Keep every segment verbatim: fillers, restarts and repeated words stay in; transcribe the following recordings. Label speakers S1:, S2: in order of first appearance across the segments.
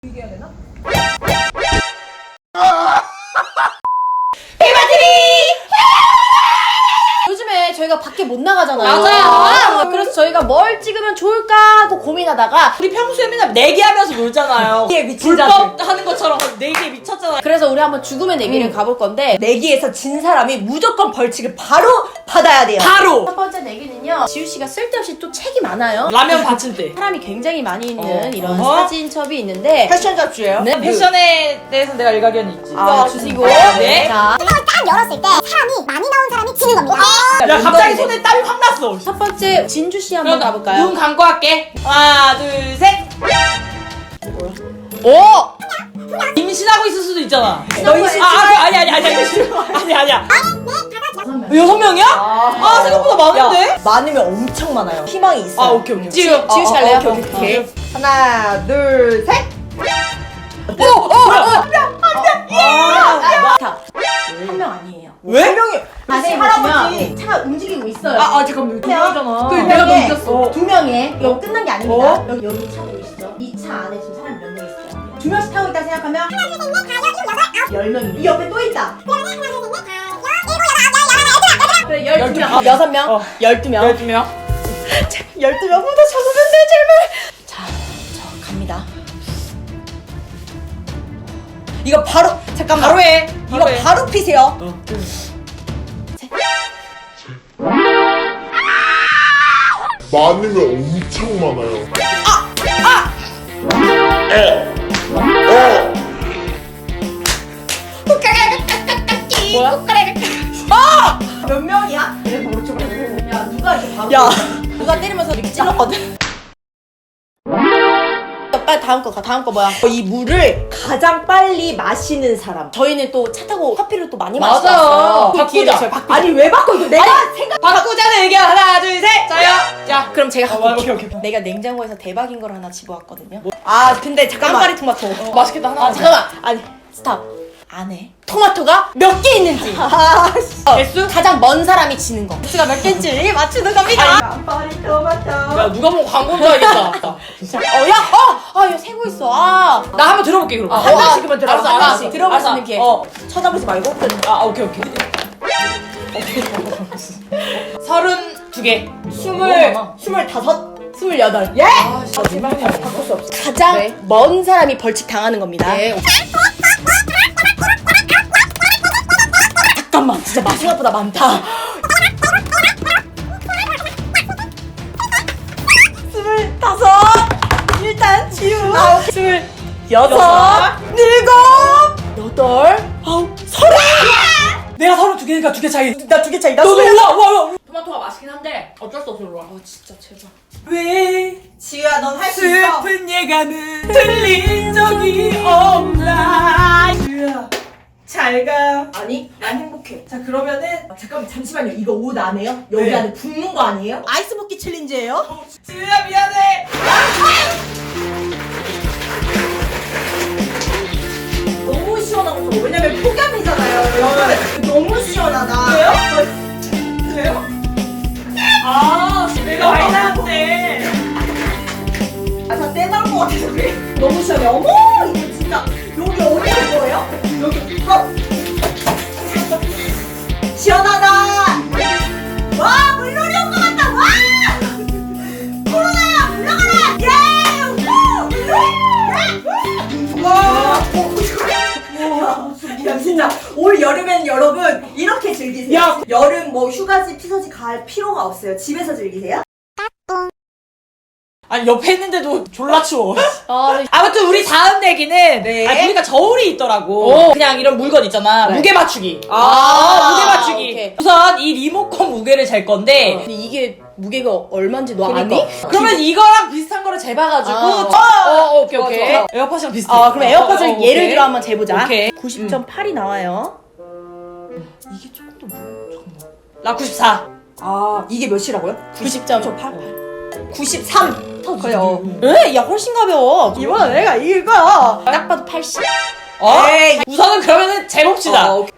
S1: 얘기해야 되나?
S2: 요즘에 저희가 밖에 못 나가잖아요.
S3: 맞아요.
S2: 아, 그래서 저희가 뭘 찍으면 좋을까 하고 고민하다가
S3: 우리 평소에 맨날 내기하면서 놀잖아요.
S1: 내기에 미친
S3: 불법 하는 것처럼 내기에 미쳤잖아요.
S2: 그래서 우리 한번 죽음의 내기를
S1: 음.
S2: 가볼 건데
S1: 내기에서 진 사람이 무조건 벌칙을 바로 받아야 돼요.
S3: 바로
S2: 첫 번째 내기는요, 지우씨가 쓸데없이 또 책이 많아요.
S3: 라면 받칠 때.
S2: 사람이 굉장히 많이 있는
S3: 어.
S2: 이런
S3: 어.
S2: 사진첩이 있는데
S1: 패션 잡지예요?
S2: 네,
S3: 패션에 대해서 내가 일가견이 있지.
S2: 이거 주시고
S3: 네.
S2: 자,
S4: 이걸 딱 열었을 때 사람이 많이 나온 사람이 지는 겁니다.
S3: 야 갑자기 손에 땀이 확 났어.
S2: 첫 번째 진주씨 한번
S3: 그럼
S2: 가볼까요?
S3: 눈 감고 할게. 하나 둘 셋.
S2: 오!
S3: 임신하고 있을 수도 있잖아.
S1: 너 임신
S3: 아, 아 그, 아니 아니 아니 아니 아니 아니야. 여섯 명이야? 아, 생각보다 많은데?
S1: 야, 많으면 엄청 많아요. 희망이 있어.
S3: 아 오케이 오케이.
S2: 지우, 지우 씨
S1: 어,
S2: 갈래요?
S1: 오케이, 오케이, 오케이. 하나, 둘, 셋.
S3: 오! 오! 오!
S2: 자, 한 명 아니에요.
S3: 왜?
S1: 한 명이
S2: 자세히 보시면 차가 움직이고 있어요.
S3: 아, 아 잠깐만. 두 명이잖아.
S2: 그
S1: 내가
S2: 명에
S1: 너무 웃겼어.
S2: 두 명에 이거 끝난 게 아닙니다.
S1: 어?
S2: 여기 여기 차 보이시죠? 이 차 안에 지금 사람이 몇 명 있어요? 두 명씩 타고 있다 생각하면 하나, 둘, 셋, 넷, 다, 여, 일곱, 여덟, 아홉. 열 명이. 이 옆에 또 있다. 그래, 열두 명. 여섯 명.
S3: 어.
S2: 열두 명.
S3: 열두 명.
S2: 열두 명보다 적으면 돼, 제발. 자, 저 갑니다.
S1: 이거 바로 잠깐만.
S3: 바로 해.
S1: 이거
S3: 바로 해.
S1: 바로 피세요.
S5: 많으면 엄청 많아요.
S1: 몇 명이야?
S2: 야, 누가 이렇게 바로.
S1: 야.
S2: 누가 때리면서 이렇게 찔렀거든. 빨리 다음 거 가. 다음 거 뭐야?
S1: 이 물을 가장 빨리 마시는 사람.
S2: 저희는 또 차 타고 커피를 또 많이
S3: 맞아.
S2: 마시고
S3: 바꾸자.
S1: 아니 왜 바꿔? 이거 내가 생각.
S3: 바꾸자는 의견 하나 둘 셋. 자요. 자.
S2: 그럼 제가
S3: 어,
S2: 갖고
S3: 오케이,
S2: 올게요.
S3: 오케이.
S2: 내가 냉장고에서 대박인 걸 하나 집어왔거든요.
S1: 아 근데 잠깐만.
S2: 깐파리 토마토.
S3: 어, 맛있겠다 하나.
S2: 아 잠깐만. 아니 스탑. 안에 토마토가 몇 개 있는지
S1: 아 씨.
S2: 어,
S3: 개수?
S2: 가장 먼 사람이 지는 거. 개수가 몇 개인지 맞추는 겁니다.
S1: 깜빡이 토마토.
S3: 야 누가 보면 광고인 줄 알겠다.
S2: 어, 야, 어, 아, 이거 세고 있어. 아,
S3: 나 한번 들어볼게 그럼.
S2: 아,
S1: 한
S2: 어,
S1: 명씩만 들어.
S3: 알았어,
S1: 한
S3: 알았어.
S1: 명씩.
S2: 들어볼 수
S3: 알았어.
S2: 있는 기회.
S3: 어.
S1: 쳐다보지 말고.
S3: 아 오케이 오케이. 서른 두 개.
S1: 스물
S2: 많아.
S1: 스물다섯.
S2: 스물여덟.
S1: 예?
S3: 아 제발.
S1: 바꿀 수 없어.
S2: 가장
S3: 네.
S2: 먼 사람이 벌칙 당하는 겁니다.
S3: 네.
S2: 잠깐만, 진짜 맛 생각보다 많다.
S1: 스물다섯. 일단 지우.
S2: 아홉, 스물, 여섯,
S3: 여섯,
S1: 일곱.
S2: 여덟, 아홉, 서른.
S3: 내가 서른 두 개니까 두 개 차이.
S1: 나 두 개 차이. 나
S3: 너도
S1: 스물.
S3: 올라 와 와. 토마토가 맛있긴 한데 어쩔 수 없어 올라. 아 진짜 제발. 왜
S1: 지우야 넌 할 수 있어.
S3: 슬픈 예감은 들린 적이 없나?
S1: 지우야. 잘 가.
S2: 아니,
S1: 난 행복해. 자 그러면은 아, 잠깐만 잠시만요. 이거 옷 안에요? 여기
S3: 네.
S1: 안에 붓는 거 아니에요? 아이스 먹기 챌린지예요?
S3: 지우야 미안해.
S1: 너무 시원하고 좋아. 왜냐면 폭염이잖아요. 여러분. 너무 시원하다.
S3: 왜요? 왜요? 아 내가 와인한테.
S1: 아, 저 떼날 것 같아서 그래. 너무 시원해. 어머, 이거 진짜. 여기 어디 갈 거예요? 여기. 어. 시원하다. 와, 물놀이 온 것 같다. 와! 코로나야, 물러가라. 예! 우! 물놀이! 예! 와! 어, 야, 진짜 올 여름엔 여러분 이렇게 즐기세요.
S3: 야.
S1: 여름 뭐 휴가지 피서지 갈 필요가 없어요. 집에서 즐기세요.
S3: 아니 옆에 있는데도 졸라 추워.
S2: 아, 네.
S3: 아무튼 우리 다음 내기는
S1: 네.
S3: 아, 보니까 저울이 있더라고.
S2: 오.
S3: 그냥 이런 물건 있잖아.
S2: 네.
S3: 무게 맞추기.
S1: 아,
S3: 무게 맞추기.
S2: 오케이.
S3: 우선 이 리모컨 무게를 잴 건데
S2: 근데 이게 무게가 얼마인지 너
S1: 그러니까.
S2: 아니?
S3: 그러면 이거랑 비슷한 거를 재봐가지고
S2: 아.
S3: 어, 어, 오케이
S1: 좋아,
S3: 오케이.
S1: 좋아.
S3: 에어팟이랑 비슷해.
S2: 아, 그럼 에어팟을
S3: 어, 어,
S2: 예를
S3: 오케이.
S2: 들어 한번 재보자.
S3: 오케이.
S2: 구십 점 팔이 나와요.
S3: 이게 조금 더 무거워. 잠깐만. 나 구십사.
S1: 아, 이게 몇이라고요?
S2: 구십 점
S1: 팔. 구십삼. 그래요.
S2: 에? 야, 훨씬 가벼워.
S1: 이번엔 내가 이길 거야.
S2: 딱 봐도 팔십.
S3: 어?
S1: 에이.
S3: 우선은 그러면은 재봅시다.
S1: 어,
S3: 어,
S1: 오케이.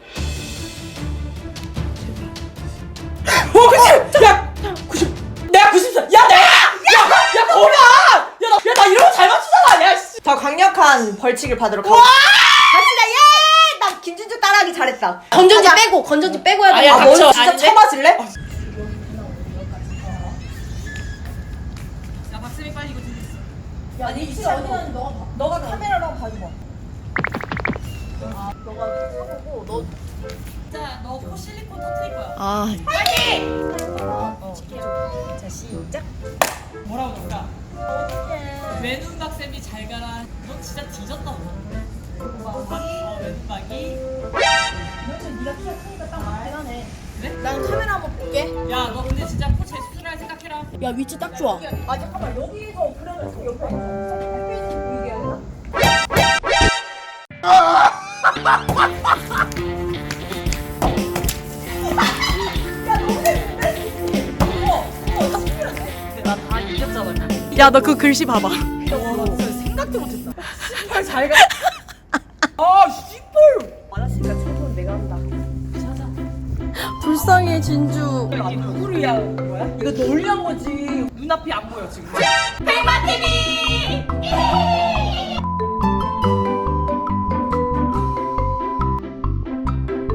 S3: 그치? 야, 구십. 내가 구십사. 야, 내가. 야, 야, 거봐. 야, 나, 야, 나 이런 거 잘 맞추잖아. 야, 씨.
S1: 더 강력한 벌칙을 받으러 가고. 갑시다. 예! 나 김준주 따라하기 잘했다.
S2: 건전지
S1: 가자.
S2: 빼고 건전지 빼고 해야
S3: 아니야,
S2: 돼.
S1: 아, 너
S3: 닥쳐.
S1: 진짜
S3: 아닌데?
S1: 쳐맞을래?
S3: 야 박수미 빨리 이거 들렸어.
S2: 아니 이치 어디 가는지 너가 봐.
S1: 너가 카메라로 한번 봐줘봐.
S2: 너가 쳐보고 너.
S3: 자, 너 코 실리콘 터트릴 거야.
S1: 아.
S3: 자, 시작. 뭐라고 넣을까? 외눈박 쌤이 잘 가라. 너 진짜 뒤졌다. 어, 외눈박이.
S2: 네가 키가 크니까 딱 맞긴 하네.
S3: 그래?
S2: 난 카메라 한번 볼게.
S3: 야, 너 근데 진짜 코 재수술할 생각해라.
S2: 야 위치 딱 좋아.
S1: 아 잠깐만 여기서 그러면 저 옆에 햇빛 보이게 해야 되나?
S3: 나다 이겼잖아. 야, 너 그 글씨 봐봐. 생각도 못했다. 씨발 잘 가. 아, 씨발.
S1: 많았으니까 청소는 내가 한다.
S3: 불쌍해 진주.
S1: 이게 누구를 위한 거야? 이거 널 위한 거지.
S3: 눈앞이 안 보여 지금.
S1: 백만티비!